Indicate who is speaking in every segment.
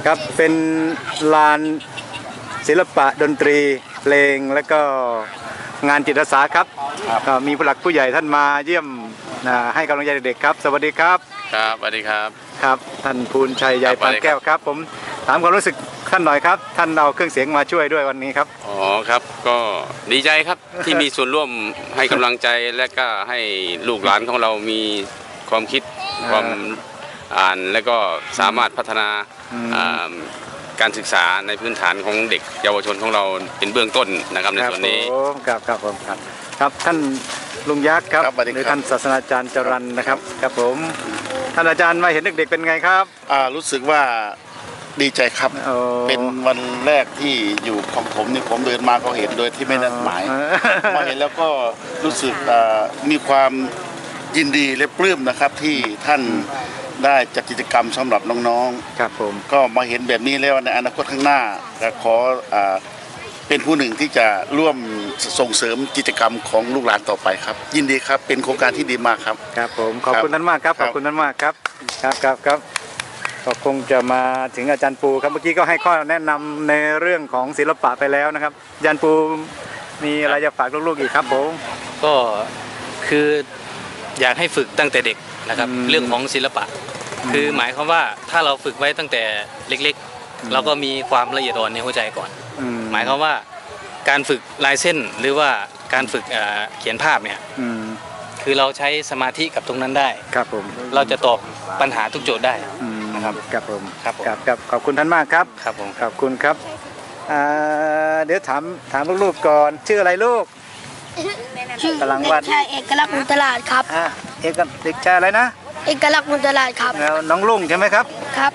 Speaker 1: ครับเป็นลานศิลปะดนตรีเพลงและก็งานจิตอาสาครับก็มีผู้หลักผู้ใหญ่ท่านมาเยี่ยมให้กำลังใจเด็กๆครับสวัสดีครับ
Speaker 2: ครับสวัสดีครับ
Speaker 1: ครับท่านภูลชัยใหญ่ปานแก้วครับผมถามความรู้สึกท่านหน่อยครับท่านเอาเครื่องเสียงมาช่วยด้วยวันนี้ครับ
Speaker 2: อ๋อครับก็ดีใจครับที่มีส่วนร่วมให้กำลังใจและก็ให้ลูกหลานของเรามีความคิดความอ่านและก็สามารถพัฒนาการศึกษาในพื้นฐานของเด็กเยาวชนของเราเป็นเบื้องต้นนะครับในส่วนนี้
Speaker 1: ครับผมครับท่านลุงยักษ์ครับหรือท่านศาสนาจารย์จรัญนะครับครับผมท่านอาจารย์มาเห็นเด็กๆเป็นไงครับ
Speaker 3: รู้สึกว่าดีใจครับเป็นวันแรกที่อยู่ของผมนี่ผมเดินมาก็เห็นโดยที่ไม่นัดหมายมาเห็นแล้วก็รู้สึกมีความยินดีและปลื้มนะครับที่ท่านได้จัดกิจกรรมสำหรับน้องๆ
Speaker 1: ครับผม
Speaker 3: ก็มาเห็นแบบนี้แล้วในอนาคตข้างหน้าจะขอเป็นผู้หนึ่งที่จะร่วมส่งเสริมกิจกรรมของลูกหลานต่อไปครับยินดีครับเป็นโครงการที่ดีมากครับ
Speaker 1: ครับผมขอบคุณท่านมากครับขอบคุณท่านมากครับครับก็คงจะมาถึงอาจารย์ปูครับเมื่อกี้ก็ให้ข้อแนะนำในเรื่องของศิลปะไปแล้วนะครับอาจารย์ปูมีอะไรจะฝากลูกๆอีกครับผม
Speaker 4: ก็คืออยากให้ฝึกตั้งแต่เด็กนะครับเรื่องของศิลปะคือหมายความว่าถ้าเราฝึกไว้ตั้งแต่เล็กๆเราก็มีความละเอียดอ่อนในหัวใจก่อนหมายความว่าการฝึกลายเส้นหรือว่าการฝึกเขียนภาพเนี่ยคือเราใช้สมาธิกับตรงนั้นได้
Speaker 1: ครับผม
Speaker 4: เราจะตอบปัญหาทุกโจทย์ได้นะครับ
Speaker 1: ครับผมครับขอบคุณท่านมากครับ
Speaker 4: ครับผม
Speaker 1: ขอบคุณครับเดี๋ยวถามลูกๆก่อนชื่ออะไรลูก
Speaker 5: กำลังวัดชายเอกลักษณ์มุนตลาดครับ
Speaker 1: เด็กชายอะไรนะ
Speaker 5: เอกลักษณ์มุนตลาดครับ
Speaker 1: แล้วน้องลุงใช่ไหมครับ
Speaker 5: ครับ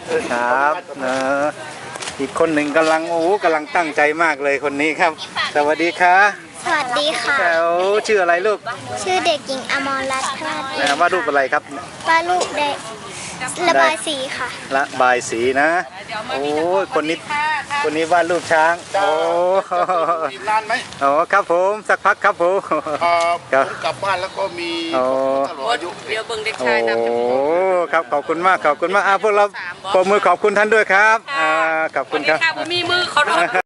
Speaker 1: อีกคนหนึ่งกำลังตั้งใจมากเลยคนนี้ครับสวัสดีค่ะ
Speaker 5: สวัสดีค่ะ
Speaker 1: แล้วชื่ออะไรลูก
Speaker 5: ชื่อเด็กหญิงอมรรัตน์พลาด
Speaker 1: วาดรูปอะไรครับ
Speaker 5: วาดรูปได้ระบายสีค่ะ
Speaker 1: ระบายสีนะโอ้คนนี้วาดรูปช้างโอ้
Speaker 3: นานไหม
Speaker 1: อ๋อครับผมสักพักครับผม
Speaker 3: กลับบ้านแล้วก็มี
Speaker 6: เดี๋ยวเบิ่งเด็กชายนำ
Speaker 1: โอ้ครับขอบคุณมากพวกเราปรบมือขอบคุณท่านด้วยครับขอบคุณครับ
Speaker 6: มีมือขอโทษ